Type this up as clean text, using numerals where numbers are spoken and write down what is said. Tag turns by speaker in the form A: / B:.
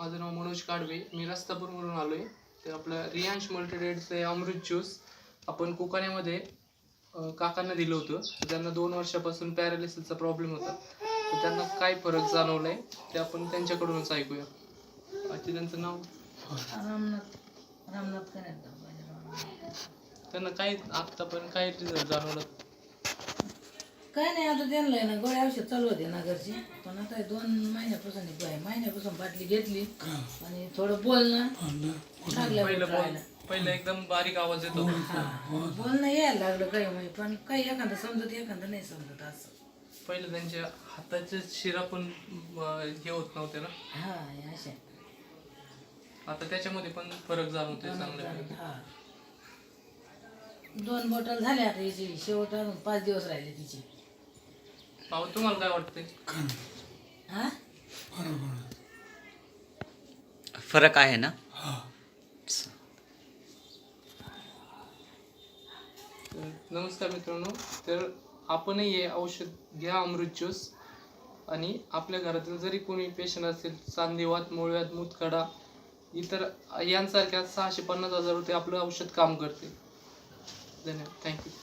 A: माझं नाव मनोज काडवे. मी रस्तापूरवरून आलो आहे. ते आपलं रियांश मल्टीट्रेडचे अमृत ज्यूस आपण कोकणामध्ये काकांना दिलं होतं. त्यांना 2 वर्षापासून पॅरालिसिसचा प्रॉब्लेम होता. तर त्यांना काय फरक जाणवला आहे ते आपण त्यांच्याकडूनच ऐकूया. त्यांचं नाव
B: रामनाथ
A: त्यांना काय आत्तापर्यंत काय रिझल्ट जाणवलं?
B: काय नाही, आता त्यांना आहे ना गोळ्या औषध चालू होते ना घरचे, पण आता 2 महिन्यापासून बाटली घेतली आणि थोडं बोलणं
A: पहिलं एकदम बारीक आवाज येतो.
B: बोलणं यायला लागलं काही म्हणजे, पण काही एखादं समजत एखादं नाही समजत असं.
A: पहिलं त्यांच्या हाताच्या शिरा पण हे होत नव्हते ना.
B: हा अशा
A: आता त्याच्यामध्ये पण फरक जाणवतोय चांगला.
B: 2 बॉटल झाल्या आता याची, शेवट अजून 5 दिवस राहिले तिचे.
A: अहो तुम्हाला काय वाटतंय?
B: हा
C: फरक आहे ना?
A: नमस्कार मित्रांनो, तर आपणही हे औषध घ्या अमृत ज्यूस. आणि आपल्या घरातील जरी कोणी पेशंट असेल, सांधिवात, मूळव्याध, मूतखडा, इतर यांसारख्या 650,000 रुपये आपलं औषध काम करते. धन्यवाद. थँक्यू.